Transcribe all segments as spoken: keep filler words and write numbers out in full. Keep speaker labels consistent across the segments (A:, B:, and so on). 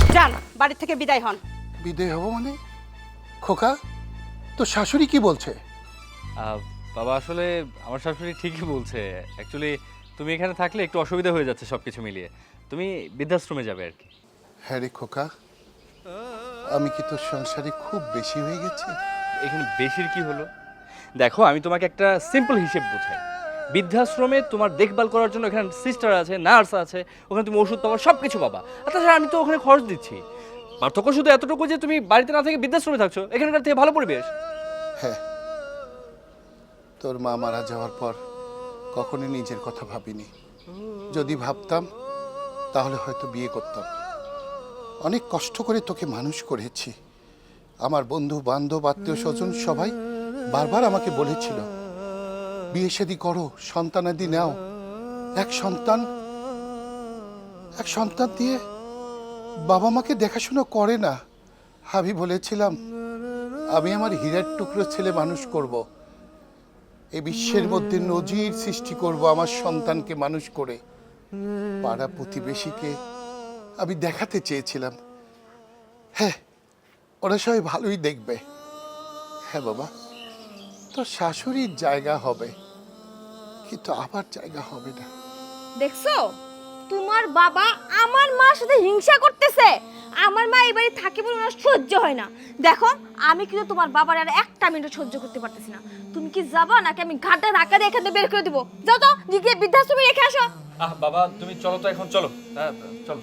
A: যান, বাড়ি থেকে বিদায় হন।
B: বিদায় হব মানে? খোকা, তো শাশুড়ি কি বলছে?
C: আহ, বাবা আসলে আমার শাশুড়ি ঠিকই বলছে। অ্যাকচুয়ালি তুমি এখানে থাকলে একটু অসুবিধা হয়ে যাচ্ছে সব কিছু মিলিয়ে। তুমি বৃদ্ধাশ্রমে যাবে আর কি।
B: হ্যাঁ রে খোকা, আমি কি তোর সংসারে খুব বেশি হয়ে গেছি?
C: এখানে বেশির কি হলো? দেখো, আমি তোমাকে একটা সিম্পল হিসেব বোঝাই। বৃদ্ধাশ্রমে তোমার দেখভাল করার জন্য এখানে সিস্টার আছে, নার্স আছে, ওখানে তুমি ওষুধ পাবা, সব কিছু পাবা। আর তাছাড়া আমি তো ওখানে খরচ দিচ্ছি। পার্থক্য শুধু এতটুকু যে তুমি বাড়িতে না থেকে বৃদ্ধাশ্রমে থাকছো, এখানকার থেকে ভালো পরিবেশ।
B: হ্যাঁ, তোর মা মারা যাওয়ার পর কখনোই নিজের কথা ভাবিনি। যদি ভাবতাম তাহলে হয়তো বিয়ে করতাম। অনেক কষ্ট করে তোকে মানুষ করেছি। আমার বন্ধু বান্ধব আত্মীয় স্বজন সবাই বারবার আমাকে বলেছিল, বিয়ে শাদী করো, সন্তানাদি নাও। এক সন্তান এক সন্তান দিয়ে বাবা মাকে দেখাশোনা করে না। আমি বলেছিলাম, আমি আমার হীরার টুকরো ছেলে মানুষ করব। এই বিশ্বের মধ্যে নজির সৃষ্টি করব আমার সন্তানকে মানুষ করে। পাড়া প্রতিবেশীকে আমি দেখাতে চেয়েছিলাম, হ্যাঁ ওরা সবাই ভালোই দেখবে। হ্যাঁ বাবা, তো শাশুড়ির জায়গা হবে, কিন্তু আবার জায়গা হবে না।
D: দেখছো, তোমার বাবা আমার মার সাথে হিংসা করতেছে। আমার মা এই বাড়ি থাকে বলে ওনার সহ্য হয় না। দেখো, আমি কিন্তু তোমার বাবার আর একটা মিনিট সহ্য করতে পারতেছি না। তুমি কি যাবা নাকি আমি ঘাটে ধাক্কা দিয়ে এখান থেকে বের করে দেবো? যাও তো, গিয়ে বৃদ্ধাশ্রমে রেখে আসো।
C: আহ বাবা, তুমি চলো তো, এখন চলো। আহ, চলো।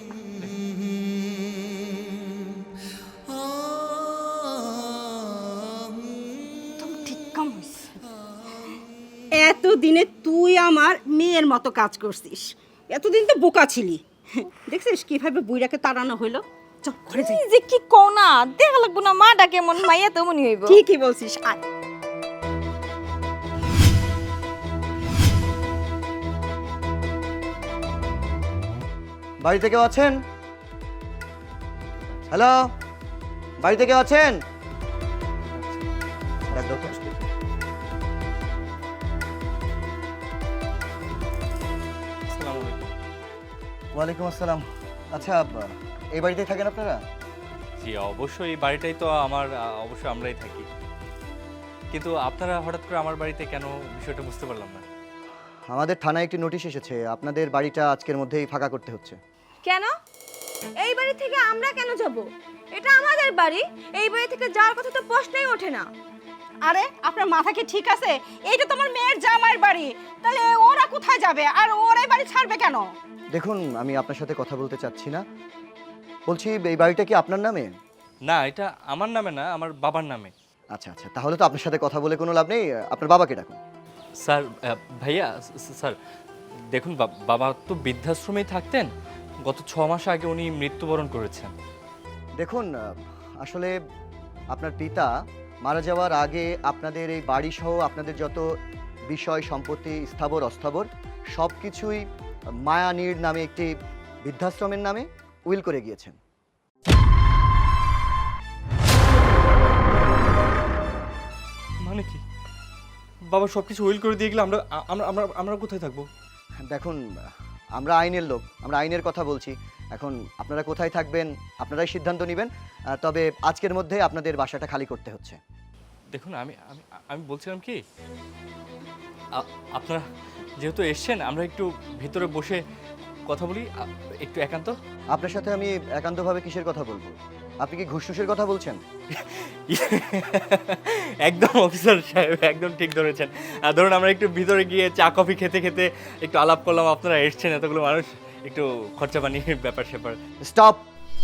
D: তুমি ঠিক কাম হইছে।
A: এতদিনে তুই আমার মেয়ের মতো কাজ করছিস। এতদিন তো বোকা ছিলি। দেখছিস কিভাবে বুইড়াকে তাড়ানো হইলো। চল ঘরে যাই।
D: এই যে কি কও না, দেখা লাগবো না মাটা কেমন, মাইয়া তেমনই হইব।
A: ঠিকই বলছিস, আয়।
E: বাড়িতে কেউ আছেন? হ্যালো, বাড়িতে কেউ আছেন? ডাক দাও তো।
C: আসসালামু আলাইকুম।
E: ওয়ালাইকুম আসসালাম। আচ্ছা, এই বাড়িতেই থাকেন আপনারা?
C: জি অবশ্যই, এই বাড়িটাই তো আমার। আহ, অবশ্যই আমরাই থাকি। কিন্তু আপনারা হঠাৎ করে আমার বাড়িতে কেন, বিষয়টা বুঝতে পারলাম না।
E: আমাদের থানায় একটি নোটিশ এসেছে, আপনাদের বাড়িটা আজকের মধ্যেই ফাঁকা করতে হচ্ছে।
D: কেন? এই বাড়ি থেকে আমরা কেন যাব? এটা আমাদের বাড়ি। এই বাড়ি থেকে যাওয়ার কথা তো প্রশ্নই ওঠে না।
A: আরে আপনার মাথা কি ঠিক আছে? এইটা তোমার মেয়ের জামাইয়ের বাড়ি, তাহলে ওরা কোথায় যাবে আর ওরা এই বাড়ি ছাড়বে কেন?
E: দেখুন, আমি আপনার সাথে কথা বলতে চাচ্ছি না। বলছি, এই বাড়িটা কি আপনার নামে?
C: না, এটা আমার নামে না, আমার বাবার নামে।
E: আচ্ছা আচ্ছা, তাহলে তো আপনার সাথে কথা বলে কোনো লাভ নেই। আপনার বাবাকে ডাকুন।
C: স্যার, আহ, ভাইয়া, স- স্যার দেখুন, বা- বাবা তো বৃদ্ধাশ্রমেই থাকতেন। গত ছ মাস আগে উনি মৃত্যুবরণ করেছেন।
E: দেখুন, আসলে আপনার পিতা মারা যাওয়ার আগে আপনাদের এই বাড়ি সহ আপনাদের যত বিষয় সম্পত্তি, স্থাবর অস্থাবর সব কিছুই মায়ানীর নামে একটি বৃদ্ধাশ্রমের নামে উইল করে গিয়েছেন।
C: মানে কি? বাবা সব কিছু উইল করে দিয়ে গেলে আমরা আমরা আমরা আমরা কোথায় থাকবো?
E: দেখুন, আমরা আইনের লোক, আমরা আইনের কথা বলছি। এখন আপনারা কোথায় থাকবেন আপনারাই সিদ্ধান্ত নেবেন। আহ, তবে আজকের মধ্যে আপনাদের বাসাটা খালি করতে হচ্ছে।
C: দেখুন, আমি আমি আমি বলছিলাম কি, আ- আপনারা যেহেতু এসছেন, আমরা একটু ভিতরে বসে কথা বলি, আ- একটু একান্ত।
E: আপনার সাথে আমি একান্তভাবে কিসের কথা বলবো? আপনি কি ঘুষটুসের কথা বলছেন?
C: একদম অফিসার সাহেব, একদম ঠিক ধরেছেন। আহ, ধরুন আমরা একটু ভিতরে গিয়ে চা কফি খেতে খেতে একটু আলাপ করলাম। আপনারা এসছেন, এতগুলো মানুষ, একটু খরচা পানির ব্যাপার স্যাপার।
E: স্টপ!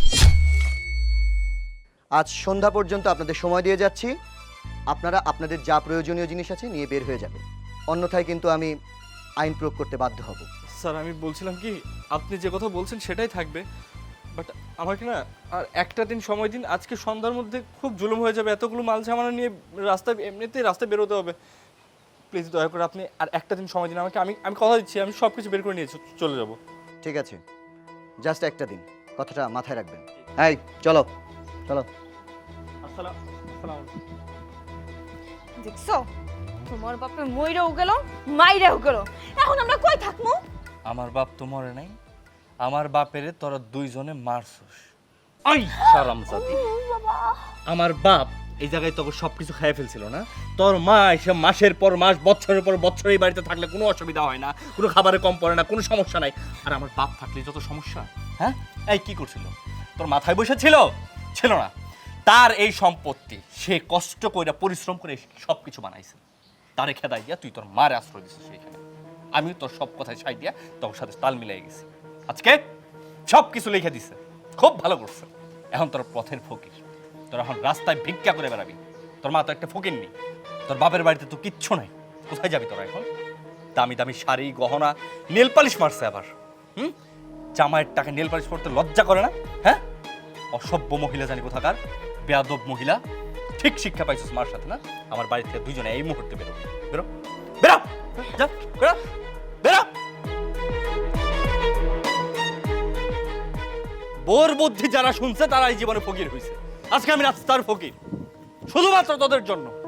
E: আজ সন্ধ্যা পর্যন্ত আপনাদের সময় দিয়ে যাচ্ছি। আপনারা আপনাদের যা প্রয়োজনীয় জিনিস আছে নিয়ে বের হয়ে যাবে, অন্যথায় কিন্তু আমি আইন প্রয়োগ করতে বাধ্য হব।
C: স্যার, আমি বলছিলাম কি, আপনি যে কথা বলছেন সেটাই থাকবে, বাট আমাকে না আর একটা দিন সময় দিন। আজকে সন্ধ্যার মধ্যে খুব জুলুম হয়ে যাবে। এতগুলো মাল সামানা নিয়ে রাস্তায়, এমনিতেই রাস্তায় বেরোতে হবে। প্লিজ দয়া করে আপনি আর একটা দিন সময় দিন আমাকে। আমি আমি কথা দিচ্ছি, আমি সব কিছু বের করে নিয়ে চ- চলে যাব।
E: ঠিক আছে, জাস্ট একটা দিন, কথাটা মাথায় রাখবেন। এই চলো চলো।
C: আসসালাম আসসালাম
D: দেখছো, তোমার বাপে মইরাও গেল, মাইরাও গেল। এখন আমরা কই থাকমু?
C: আমার বাপ তো মরে নাই, আমার বাপেরে তোরা দুইজনে মারছস। আই হারামজাদি, আমার বাপ এই জায়গায় তোকে সবকিছু খেয়ে ফেলছিল না? তোর মা এসে মাসের পর মাস, বছরের পর বছর এই বাড়িতে থাকলে কোনো অসুবিধা হয় না, কোনো খাবারে কম পড়ে না, কোনো সমস্যা নাই। আর আমার বাপ থাকলে যত সমস্যা। হ্যাঁ, এই কি করছিল? তোর মাথায় বসে ছিল? ছিল না। তার এই সম্পত্তি সে কষ্ট করে পরিশ্রম করে সব কিছু বানাইছে। তারে খেদাই দিয়া তুই তোর মারে আশ্রয় দিছিস সেইখানে। আমি তোর সব কথায় ছাই দিয়া তোর সাথে তাল মিলাই গেছি। আজকে সব কিছু লিখে দিছে, খুব ভালো করছে। এখন তোর পথের ফকির, তোর এখন রাস্তায় ভিক্ষা করে বেড়াবি। তোর মা তো একটা ফকির নি, তোর বাপের বাড়িতে তো কিচ্ছু নাই। কোথায় যাবি তোরা এখন? দামি দামি শাড়ি, গহনা, নেল পালিশ মারছে আবার। হুম, জামাইয়ের টাকা নেল পালিশ করতে লজ্জা করে না? হ্যাঁ, অসভ্য মহিলা জানি কোথাকার, বেয়াদব মহিলা। ঠিক শিক্ষা পাইছিস মার সাথে না? আমার বাড়ি থেকে দুইজনে এই মুহূর্তে বেরো, বেরো, বেরো, যা, বেরো, বেরো। বোর বুদ্ধি যারা শুনছে তারা এই জীবনে ফকির হয়েছে। আজকে আমি রাস্তার ফকির, শুধুমাত্র তোদের জন্য।